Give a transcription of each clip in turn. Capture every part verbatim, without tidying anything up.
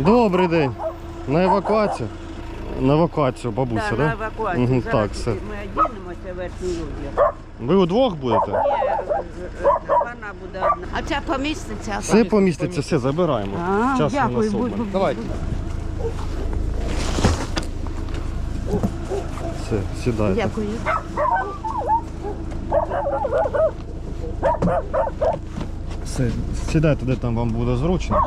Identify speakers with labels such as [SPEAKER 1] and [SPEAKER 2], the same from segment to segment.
[SPEAKER 1] Добрий день. На евакуацію? На евакуацію, бабуся, так?
[SPEAKER 2] Да,
[SPEAKER 1] Да?
[SPEAKER 2] на евакуацію.
[SPEAKER 1] Угу,
[SPEAKER 2] Зараз
[SPEAKER 1] так, все.
[SPEAKER 2] ми одінемося верхній одяг.
[SPEAKER 1] Ви удвох будете?
[SPEAKER 2] Ні, вона буде одна. А ця поміститься?
[SPEAKER 1] Все поміститься, все, забираємо.
[SPEAKER 2] А,
[SPEAKER 1] Часу
[SPEAKER 2] дякую,
[SPEAKER 1] у нас
[SPEAKER 2] будь-
[SPEAKER 1] обмаль.
[SPEAKER 2] будь-
[SPEAKER 1] Давайте. Все, сідайте.
[SPEAKER 2] Дякую.
[SPEAKER 1] Все, сідайте, де там вам буде зручно.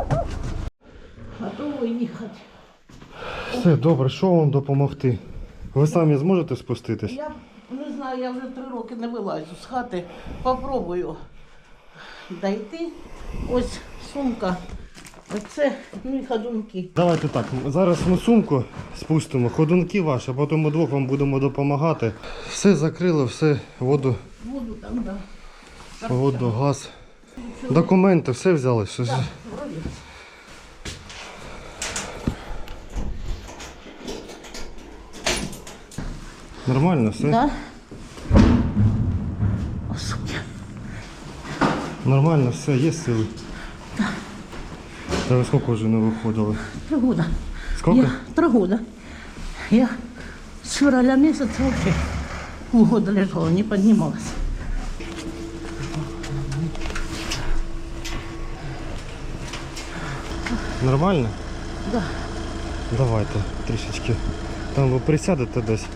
[SPEAKER 2] Готово їхати.
[SPEAKER 1] Все, добре, що вам допомогти? Ви самі зможете спуститись?
[SPEAKER 3] Я не знаю, я вже три роки не вилазю з хати. Попробую дойти. Ось сумка. Оце мої ходунки.
[SPEAKER 1] Давайте так, зараз ми сумку спустимо, ходунки ваші, а потім ми двох вам будемо допомагати. Все закрили, все, воду,
[SPEAKER 3] Воду там, да.
[SPEAKER 1] воду, газ. Документи, все взяли. Все.
[SPEAKER 3] Вроді.
[SPEAKER 1] Нормально все?
[SPEAKER 3] Да. О, сука.
[SPEAKER 1] Нормально все, є сили? Та ви скільки вже не виходили?
[SPEAKER 3] Три года.
[SPEAKER 1] Скільки?
[SPEAKER 3] Я, три года. Я с февраля месяца вообще полгода лежала, не поднималась.
[SPEAKER 1] Нормально?
[SPEAKER 3] Да.
[SPEAKER 1] Давайте трішечки. Там ви присядете десь.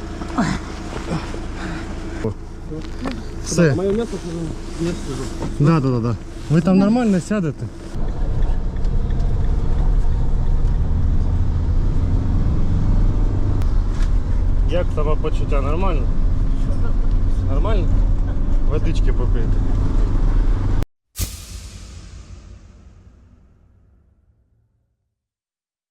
[SPEAKER 1] Все.
[SPEAKER 4] Моє місце не сижу.
[SPEAKER 1] Да, да, да, да. Ви там нормально сядете? Як самопочуття? Нормально? Нормально? Водички попити.